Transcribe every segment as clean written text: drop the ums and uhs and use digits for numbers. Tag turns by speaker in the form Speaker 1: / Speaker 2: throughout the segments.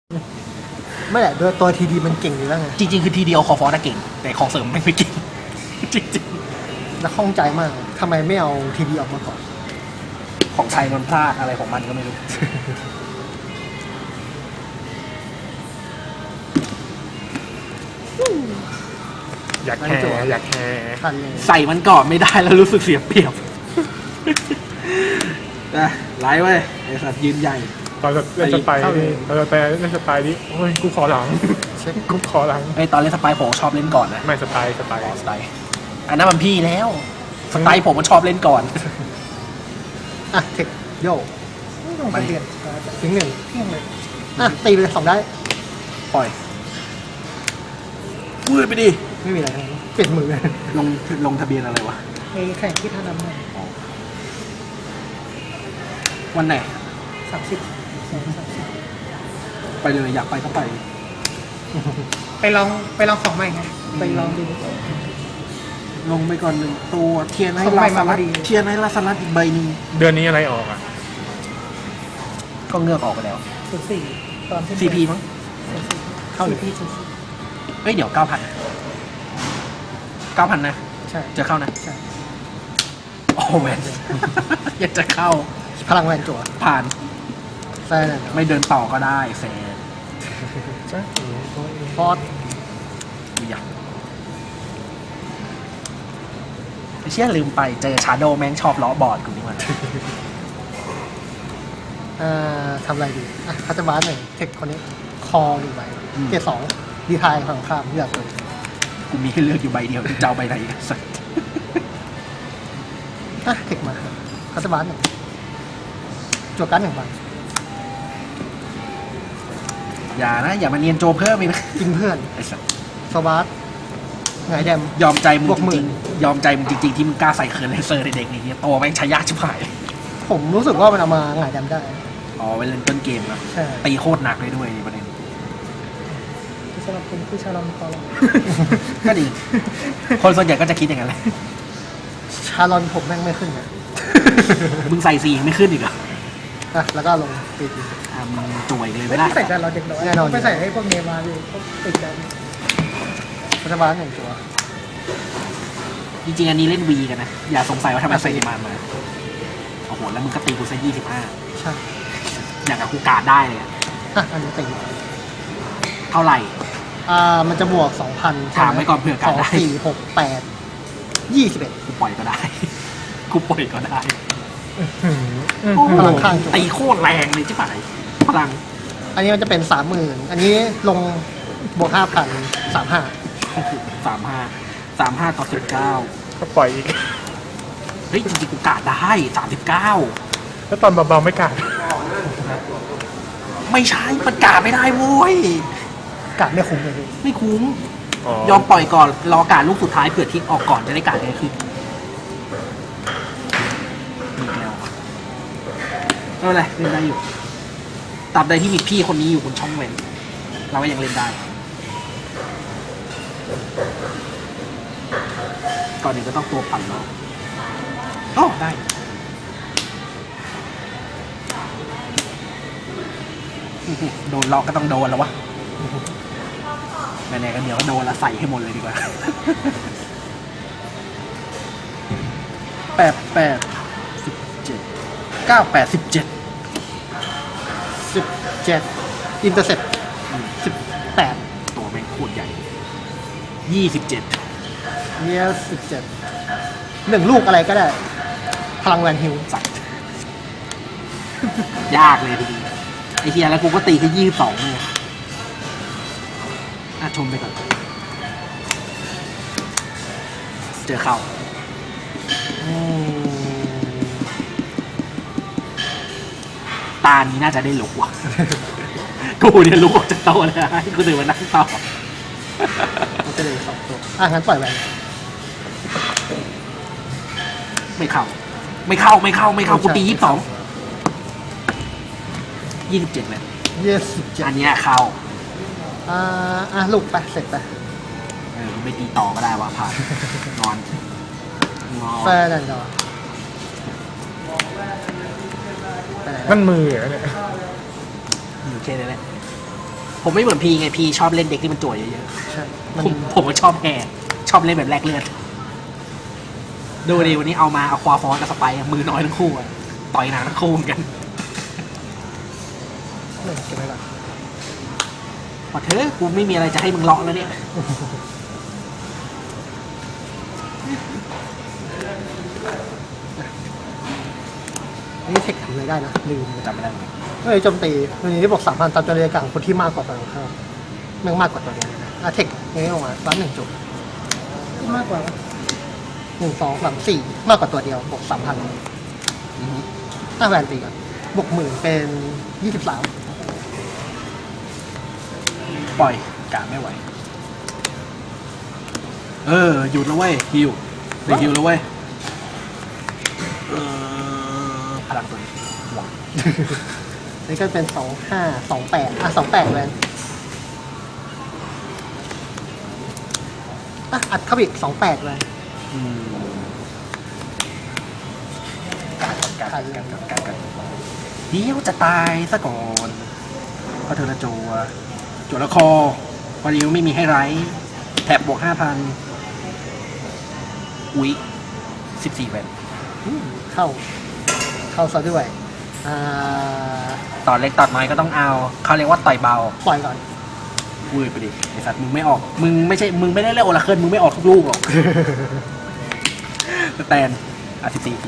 Speaker 1: ไม่แหละด้วยตัวทีดีมันเก่งอยู่แล้วไง
Speaker 2: จริงๆคือทีเดียวคอฟอร์ดเก่งแต่ของเสริมไม่เก่งจริง
Speaker 1: แล้วข้องใจมากทำไมไม่เอาทีดีออกมาก่อน
Speaker 2: ๆของไทยมันพลาดอะไรของมันก็ไม่รู้
Speaker 3: อยากแห่อยากแห่
Speaker 1: ทันเลย
Speaker 2: ใส่มันก่อนไม่ได้แล้วรู้สึกเสียเปรียบนะไล่ไว้ไอ้สัตว์ยืนใหญ่
Speaker 3: ตอนเล่นสไปร์ตอนเล่นสไปร์นี่โอ้ยกูขอหลังกูขอหลัง
Speaker 2: ไอ้ตอนเล่นสไปร์ผมชอบเล่นก่อนนะ
Speaker 3: ไม่สไปร์
Speaker 2: สไตล์อันนั้นมันพี่แล้วสไตล์ผมมันชอบเล่นก่อน
Speaker 1: อ่ะเทคโย่
Speaker 2: ต้องไปเรียน
Speaker 1: ถึงหนึ่งเที่ยงเลยอ่ะตีไปเลย2ได้
Speaker 2: ปล่อยพูดไปดิ
Speaker 1: ไม่มีอะไรทั้งนั้นเปลี่ยนมือ
Speaker 2: ลงทะเบียนอะไรวะ
Speaker 1: ไอ้แข่งที่ท่าน้ำมัน
Speaker 2: วันไหน
Speaker 1: 30
Speaker 2: ไปเลยอยากไปก็ไป
Speaker 1: ไปลองของใหม่ไงไปลองดู
Speaker 2: ลงไปก่อนหนึ่งตัวเทียนให้
Speaker 1: ส่ง
Speaker 2: ลา
Speaker 1: ไป
Speaker 2: ส
Speaker 1: มาพ
Speaker 2: ลั
Speaker 1: อ
Speaker 2: ด
Speaker 1: ดี
Speaker 2: เทียนให้ลาสลัดอีกใบหนึ่ง
Speaker 3: เดือนนี้อะไรออกอ่ะ
Speaker 2: ก็เงือกออกไปแล้ว
Speaker 1: 04ตอนที่
Speaker 2: CP มั้ง
Speaker 1: เข้าหรือพี่
Speaker 2: เฮ้ยเดี๋ยว 9,000 9,000 นะ
Speaker 1: ใช่
Speaker 2: จะเข้านะ
Speaker 1: ใช่
Speaker 2: โอ้แวน อยากจะเข้า
Speaker 1: พลังแวนจั่ว
Speaker 2: ผ่าน
Speaker 1: แฟน
Speaker 2: ไม่เดินต่อก็ได้แฟน
Speaker 1: ฟอร์ด
Speaker 2: อยากไอ้เชี่ยลืมไปเจอชาโดแม่งชอบล้อบอร์ดกูนี่มัน
Speaker 1: ทำอะไรดีอ่ะคัตเตอร์บาร์หนึ่งเทคคนนี้คอหนึ่งใบเกรด2ดีไทายฝั่งข้ามเลือกเลย
Speaker 2: กูมีให้เลือกอยู่ใบเดียวจะเอาใบไหนอีกสัก
Speaker 1: อ่ะเทคมาคัตเตอร์บาร์หนึ่งจั่วการ์ด1 ใบ
Speaker 2: อย่านะ อย่ามาเนียนโจเพิ่มอีกนะ
Speaker 1: กินเพื่อน
Speaker 2: ไอ้สัส
Speaker 1: โซบาร์ไงแดม
Speaker 2: ยอมใจมึง
Speaker 1: บวก
Speaker 2: จ
Speaker 1: หมื่
Speaker 2: ริ
Speaker 1: น
Speaker 2: งๆยอมใจมึงจริงๆที่มึงกล้าใส่เคิร์นเลเซอร์ในเด็กนี่ตัวแม่งใช้ยากชิบหาย
Speaker 1: ผมรู้สึกว่ามันเอามาไงแดมได้
Speaker 2: อ๋อเวลาเล่นต้นเกมนะ
Speaker 1: ใช่
Speaker 2: ตีโคตรหนักเลยด้วยประเด็น
Speaker 1: สำหรับคุณผู้ชายลอนคอลอน
Speaker 2: ก็ดี คนส่วนใหญ่ก็จะคิดอย่างนั้นแหละ
Speaker 1: ชาลอนผมแม่งไม่ขึ้นเลย
Speaker 2: มึงใส่สียังไม่ขึ้นอีกเหรอ
Speaker 1: อ่ะแล้วก็ลงตีที
Speaker 2: อ่ะมึงจ่วยเลยไม่ได้
Speaker 4: ใส่จานเราเด็กน้อย
Speaker 1: แน่นอน
Speaker 4: ไปใส่ให้พวกเนมาเลยพวกติดจาน
Speaker 1: คัตเตอร์บาร์หนึ่งจั่ว
Speaker 2: จริงๆอันนี้เล่นวีกันนะ อย่าสงสัยว่าทำไมใส่ดีมานมาโอ้โหแล้วมึงก็ตีกูซะ25
Speaker 1: ใช่
Speaker 2: อย่างกับกูการ์ดได้เลยอะ
Speaker 1: อ่ะอันนี้ตี
Speaker 2: เท่าไหร่
Speaker 1: มันจะบวก 2,000
Speaker 2: ถามไว้ก่อนเผื่อการได้
Speaker 1: 2 4 6 8 21
Speaker 2: กูปล่อยก็ได้ กูปล่อยก็ได้
Speaker 1: พลังข้างจั่ว
Speaker 2: ตีโคตรแรงเลยใช่ไหมพลัง
Speaker 1: อันนี้มันจะเป็น 30,000 อันนี้ลงบวก 5,000 35
Speaker 2: 35 ต่อ 19
Speaker 3: ก็ปล่อยอีก
Speaker 2: เฮ้ยจริงๆกูการ์ดได้ 39
Speaker 3: แล้วตอนเบาๆไม่กล้า
Speaker 2: ไม่ใช่มันการ์ดไม่ได้โว้ย
Speaker 1: กัดไม่คุ้มเลยพี่
Speaker 2: ไม่คุ้ม
Speaker 3: อ๋อย
Speaker 2: อมปล่อยก่อน รอการดลูกสุดท้ายเผื่อทิ้งออกก่อนจะได้การดง่ายขึ้นมีอีกแล้วไม่เป็นไรเล่นได้อยู่ตราบใดที่มีพี่คนนี้อยู่บนช่องเว้นเราก็ยังเล่นได้ ก่อนหนึ่งก็ต้องตัวปั่นแล้วโอ้ได้โดนล็อกก็ต้องโดนแล้ววะแน่ๆก็เดี๋ยวก็โดนละใส่ให้หมดเลยดีกว่า 8 9 8 17
Speaker 1: 17 อินเตอร์เซ็ป18
Speaker 2: ตัวแม่งโคตรใหญ่ 27
Speaker 1: เนี่ย17 1 ลูกอะไรก็ได้ พลังแวนฮิล
Speaker 2: สัตว์ ยากเลยทีนี้ไอ้เฮียแล้วกูก็ตีแค่22เลยชมไปก่อน เจอเข้า ตานี้น่าจะได้ลุกว่ะ กูเนี่ยลุกออกจากโต๊ะเลยนะให้กูตื่นมานั่งต่อ
Speaker 1: มันจะเลย2 ตัวงั้นปล่อยแวน
Speaker 2: ไม่เข้า กูตี 22 27เลย
Speaker 1: 27
Speaker 2: อันเนี้ยเข้า
Speaker 1: ลูกไปเสร็จไป
Speaker 2: ไม่ตีต่อก็ได้วะผ่าน นอน
Speaker 1: แฟนนั่นเหรอ
Speaker 3: นั่นมือเหรอเนี่ย
Speaker 2: อยู่แค่นี้แหละผมไม่เหมือนพี่ไงพี่ชอบเล่นเด็กที่มันจั่วเยอะ
Speaker 1: ใช่
Speaker 2: ๆ
Speaker 1: มัน
Speaker 2: ผมก็ชอบแห่ชอบเล่นแบบแลกเลือดดูดิวันนี้เอามาเอาควาฟอนกับสไปร์มือน้อยทั้งคู่อะต่อยหนาทั้งคู่เหมือนกัน
Speaker 1: เก็บไว้ก่อน
Speaker 2: พอเธอะกูไม่มีอะไรจะให้มึงเลาะแล้วเนี่ย
Speaker 1: นี่เทคทำอะไรได้นะลืม
Speaker 2: จำไม่ได้เหมือนกัน
Speaker 1: เฮ้ยโจมตีวันนี้บอก3,000ตามจำนวนการของคนที่มากกว่าฝั่งตรงข้ามแม่งมากกว่าตัวเดียวเลยนะเทคนี้ออกมาซ้ำ1 จุด
Speaker 4: มากกว่า
Speaker 1: 1 2 3 4มากกว่าตัวเดียวบวก3,000แวนตีก่อนบวก10,000เป็น23
Speaker 2: ปล่อยกะไม่ไหวหยุดแล้วเว้ยฮิวได้ฮิวแล้วเว้ยพลังตัวนี้หวัง
Speaker 1: นี่ก็เป็น25 2828แวนอัดเข้าไปอีก28แวน
Speaker 2: การเดี๋ยวจะตายซะก่อนเพราะเธอละจัวละคอพอดีไม่มีให้ไรแถบบวก 5,000 อุ๊ย14แวน
Speaker 1: เข้าซะด้วย
Speaker 2: ต่อเล็กต่อน้อยก็ต้องเอาเขาเรียกว่าต่อยเบา
Speaker 1: ปล่อยก่อน
Speaker 2: อุ้ยไปดิไอสัตว์มึงไม่ออกมึงไม่ได้เล่นโอลาเคิลมึงไม่ออกทุกลูกหรอก สแตน14ที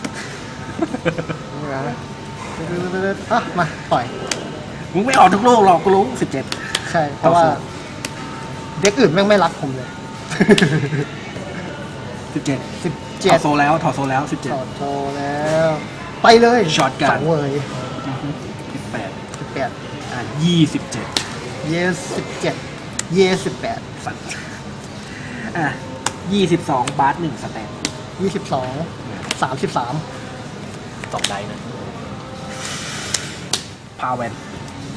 Speaker 1: นี่นะมาปล่อย
Speaker 2: มึงไม่ออกทุกลูกหรอกกูรู้17
Speaker 1: ใช่ เพราะว่าเด็กอื่นแม่งไม่รักผมเลย
Speaker 2: 17 ถอด
Speaker 1: 17
Speaker 2: โซแล้วถอดโซแล้ว
Speaker 1: ถอดโชว์แล้ว ไปเลย
Speaker 2: ช็อตกัน
Speaker 1: 2เวย
Speaker 2: 17
Speaker 1: 18
Speaker 2: 27
Speaker 1: เยส17เยส18
Speaker 2: สัตว์22 บาส1สแตน
Speaker 1: 22 33
Speaker 2: 2ได้นะพาเวนโจ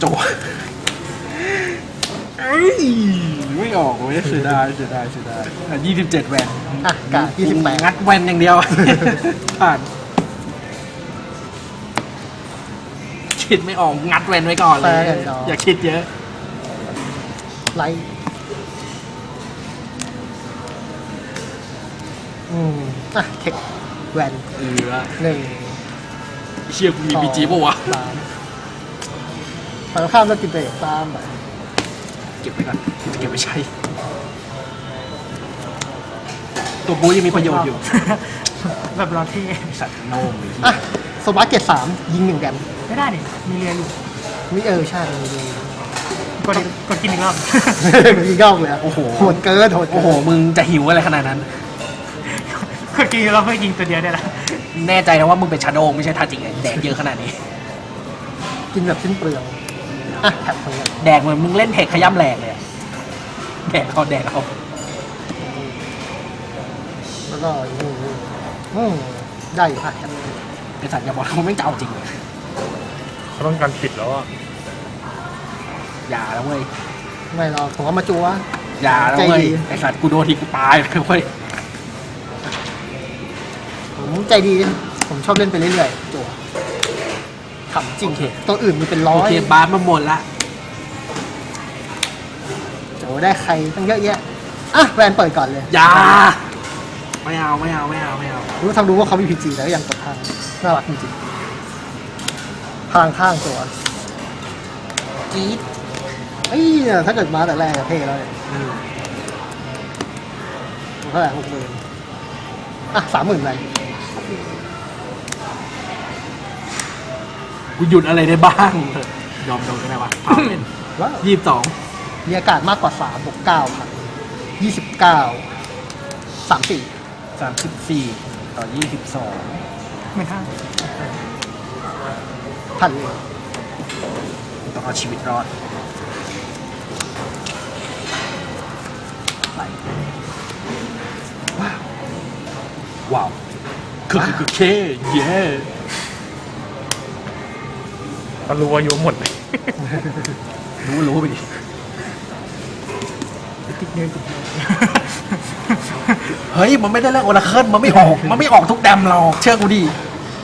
Speaker 2: ไม่ออกเว้ยเสียดาย27 แวน
Speaker 1: กะ28
Speaker 2: งัดแวนอย่างเดียว ผ่านคิดไม่ออกงัดแวนไว้ก่อนเลย อย่าคิดเยอะ
Speaker 1: ไลท์เทคแวน 1
Speaker 2: เชี่ยกูมีบีจีป่ะวะ
Speaker 1: 3ฝั่งข้ามแล้วกินไปตามแบบ
Speaker 2: เก็บไว้ก่อนจะเก็บไว้ใช้ ตัวบูยังมีประโยชน์อยู่
Speaker 4: แบบรอเท่
Speaker 2: สัตว์โน่งเลย
Speaker 1: โซบาเกต3ยิง1 แดม
Speaker 4: ไม่ได้ดิมีเรียนอยู่
Speaker 1: มีใช่มี
Speaker 4: กดกินอีกรอบ
Speaker 1: มีเก้าเลยโอ้โหโหดเกิน
Speaker 2: โอ้โหมึงจะหิวอะไรขนาดนั้น
Speaker 4: กดกินอีกรอบเพื่อยิงตัวเดียวได้ละ
Speaker 2: แน่ใจนะว่ามึงเป็นชาโดว์ไม่ใช่ทาจิงแดกเยอะขนาดนี้
Speaker 1: กินแบบสิ้นเปลืองแท็บคนนี้
Speaker 2: แดกเหมือนมึงเล่นเทคขย้ำแหลกเลยอะแดกเอา
Speaker 1: แล้วก็ได้อยู่แท็บ
Speaker 2: ไอสัตว์อย่าบอกเขาไม่งจะเอาจริงเลย
Speaker 3: เขาต้องการปิดแล้วอ่ะ
Speaker 2: อย่าแล้วเว้ย
Speaker 1: ไม่หรอกผมเอามาจัว
Speaker 2: อย่าแล้วเว้ย
Speaker 1: ใจดี
Speaker 2: ไอสัตว์กูโดนทีกูตายเลยเว้ย
Speaker 1: ผมใจดี ผมชอบเล่นไปเรื่อยๆจัวขำจริงตัวอื่นมีเป็นร้อ
Speaker 2: โอย เคบาสมาหมดละ
Speaker 1: โจได้ใครตั้งเยอะแยะแวนเปิดก่อนเลย
Speaker 2: อย่าไม่เอา
Speaker 1: รู้ทำรู้ว่าเขามีพีจีแล้วยังกดทางน่ารักจริงๆพลังข้างตัวจี๊ดเนี่ยถ้าเกิดมาแต่แรกเท่แล้วเนี่ยเท่าไหร่60,000 30,000ไป
Speaker 2: กูหยุดอะไรได้บ้างยอมโดนก็ได้วะพาเป็น
Speaker 1: ว้าว
Speaker 2: 22
Speaker 1: มีอากาศมากกว่า3บวก9ครับ29 34
Speaker 2: ต่อ22
Speaker 4: ไม่ท่า
Speaker 1: พันเลย
Speaker 2: ต้องเอาชีวิตรอดไปว้าวคือเคเย้
Speaker 3: ก็รู้อายุหมดเลย
Speaker 2: รู้ไปดิ
Speaker 4: ติดเนื้อติดเนื้อ
Speaker 2: เฮ้ยมันไม่ได้เล่นโอราเคิลมันไม่ออกทุกแดมหรอกเชื่อกูดิ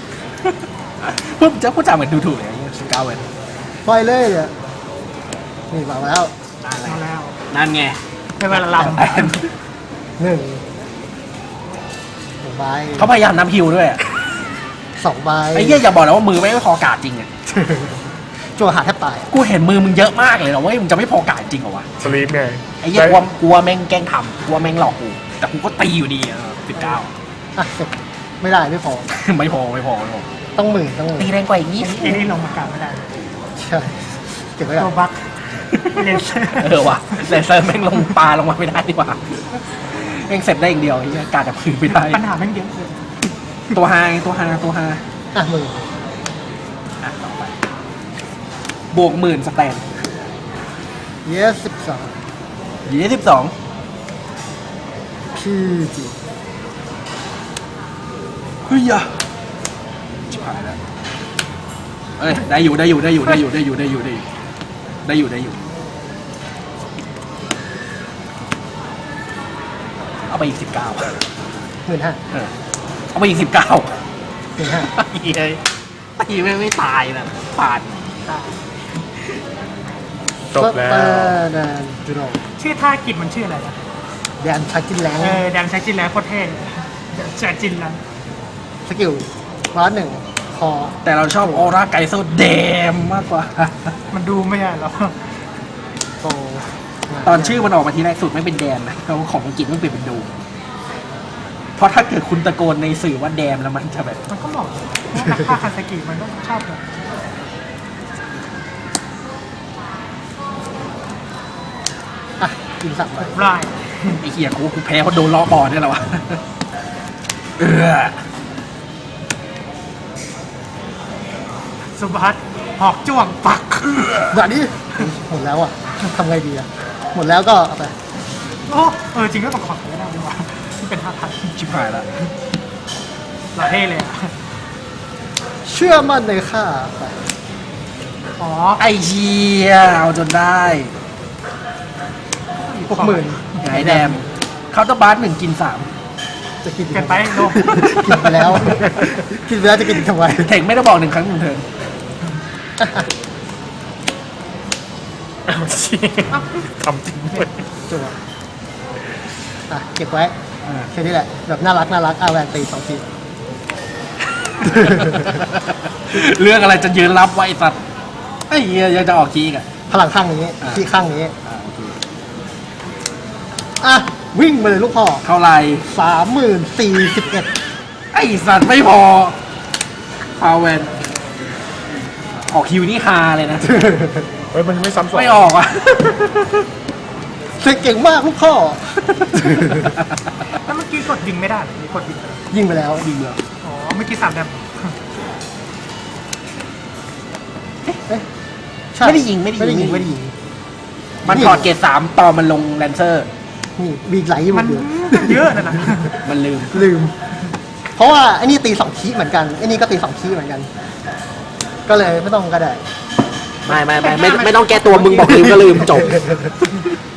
Speaker 2: พูดจาเหมือนดูถูกเลยไอ้สกาวเวน
Speaker 1: ปล่อยเลยเนี่ยนี่วางมาแล้ว
Speaker 4: เอาแล้ว
Speaker 2: นั่นไง
Speaker 4: เป็นเวลาลำ
Speaker 2: แต้ม
Speaker 1: หนึ่งใบ
Speaker 2: เขาพยายามนับฮิวด้วยอะ
Speaker 1: 2 ใบ
Speaker 2: ไอ้เหี้ยอย่าบอกนะว่ามือไม่พอกาดจริงอ่ะ
Speaker 1: จั่วหาแทบตาย
Speaker 2: กูเห็นมือมึงเยอะมากเลยนะเว้ยมึงจะไม่พอกาดจริงเหรอวะ
Speaker 3: สลีปไง
Speaker 2: ไอ้เหี้ยกลัวแม่งแกล้งทำกลัวแม่งหลอกกูแต่กูก็ตีอยู่ดีอ่ะ19
Speaker 1: อ่ะเสร็จไม่ได้ไม่พอ
Speaker 2: ไม่พอ
Speaker 1: ต้องหมื่น
Speaker 2: ตีแรงกว่าอีกนิด
Speaker 4: ไอ้นี่ลงมากลับไม่ได้
Speaker 1: ใช่เก็บไว้ก่
Speaker 4: ตั
Speaker 1: อ
Speaker 4: วน บัคเลนเซอร์
Speaker 2: ว่ะเลเซอร์แม่งลงปลาลงมาไม่ได้ดีกว่าแม่งเสร็จได้อย่างเดียวไอ้เหี้ยกาดจะพื้นไม่ได้
Speaker 4: ปัญหาแม่งเยอะเลย
Speaker 2: ตัวฮาตัวฮา
Speaker 1: อ่ะหมื่น
Speaker 2: อ่ะต่อไปบวก10,000สแตน
Speaker 1: yes
Speaker 2: 22
Speaker 1: พี่จี
Speaker 2: เฮ้ยอะชิบหายแล้วเอ้ยได้อยู่เอาไปอีก19
Speaker 1: 15,000
Speaker 2: เอาไปอีก19
Speaker 1: 15,000
Speaker 2: เฮ้ยตีไม่ตายนะผ่าน
Speaker 3: จบแล้ว
Speaker 1: แดนจูโน
Speaker 4: ชื่อท่ากิจมันชื่ออะไรนะ
Speaker 1: แดนชักกินแรง
Speaker 4: แดงใช้จินแล้วโคตรเท่ใช้จินแล้ว
Speaker 1: สกิลร้อนหนึ่งคอ
Speaker 2: แต่เราชอบออร่าไกโซเดมมากกว่า
Speaker 4: มันดูไม่ใช่หรอ
Speaker 1: โต
Speaker 2: ตอนชื่อมันออกมาทีแรกสุดไม่เป็นแดมนะเราของอังกฤษมันเปลี่ยนเป็นดูเพราะถ้าเกิดคุณตะโกนในสื่อว่าแดมแล้วมันจะแบบ
Speaker 4: มันก็เหมาะเพราะว่าคาคาซากิมันก็ชอบแบบ
Speaker 1: อ่ะกินสับไป
Speaker 4: ราย
Speaker 2: ไอ้เหี้ยกูแพ้เพราะโดนล้อบอลนี่แหละวะเออ
Speaker 4: สุภัสหอกจ้วงปัก
Speaker 1: เดี๋ยวนี้หมดแล้วอ่ะทำไงดีอ่ะหมดแล้วก็เอาไป
Speaker 4: โอ้จริงก็ต้องขอบไม่ได้ด้วยที่เป็นท่าทัน
Speaker 2: ชิบหายแล้ว
Speaker 4: หล่อเท่เลยอะ
Speaker 1: เชื่อมั่นในข้าไป
Speaker 4: อ๋อ
Speaker 2: ไอ้เหี้ยเอาจนได้
Speaker 1: 60,000
Speaker 2: ไงแดมเคาน์เตอร์บาร์1กิน
Speaker 1: จะกิน
Speaker 4: เกินไปโลก
Speaker 1: กินไปแล้ว กินไปแล้วจะกินอีกทำไม
Speaker 2: 3เทคไม่ได้บอก1ครั้ง1เทิร์น
Speaker 3: ทำจริงด้วย
Speaker 1: จั่วอ่ะเก็บไว้แค่นี้แหละแบบน่ารักอาแวนตี2 ที
Speaker 2: เรื่องอะไรจะยืนรับไว้ไอ้สัตว์ไอ้เหี้ยยังจะออกคีกอ่ะ
Speaker 1: พลังข้างนี้
Speaker 2: อ่ะ
Speaker 1: ที่ข้างนี้
Speaker 2: โอเค
Speaker 1: อ่ะวิ่งมาเลยลูกพ่อ
Speaker 2: เท่าไหร่
Speaker 1: 30,041
Speaker 2: ไอ้สัตว์ไม่พอพาวเวนออกคิวนี่ฮาเลยนะ
Speaker 3: เฮ้ยมันไม่ซ้ำสอง
Speaker 2: ไม่ออกอ่ะ
Speaker 1: เสกเก่งมากลูกพ่อ
Speaker 4: แล้วเมื่อกี้กดยิงไม่ได้หรือกดยิง
Speaker 1: ยิงไปแล้ว
Speaker 2: ยิงเลย
Speaker 4: อ๋อเมื่อกี้3 แดม
Speaker 1: เอ๊ะใช่
Speaker 2: ไม่ได้ยิง
Speaker 1: ไม่ได้ยิง
Speaker 2: มันถอดเกรด3ต่อมันลงแลนเซอร์
Speaker 1: นี่มีอีกไหลอยู่
Speaker 4: มัน
Speaker 1: เดียว
Speaker 4: เยอะนะ
Speaker 2: มันลืม
Speaker 1: ลืม เพราะว่าไอ้นี่ตี2 คีย์เหมือนกันไอ้นี่ก็ตี2 คีย์เหมือนกัน ก็เลยไม่ต้องก็ได้
Speaker 2: ไม่ต้องแก้ตัวมึงบอกลืมก็ลืมจบ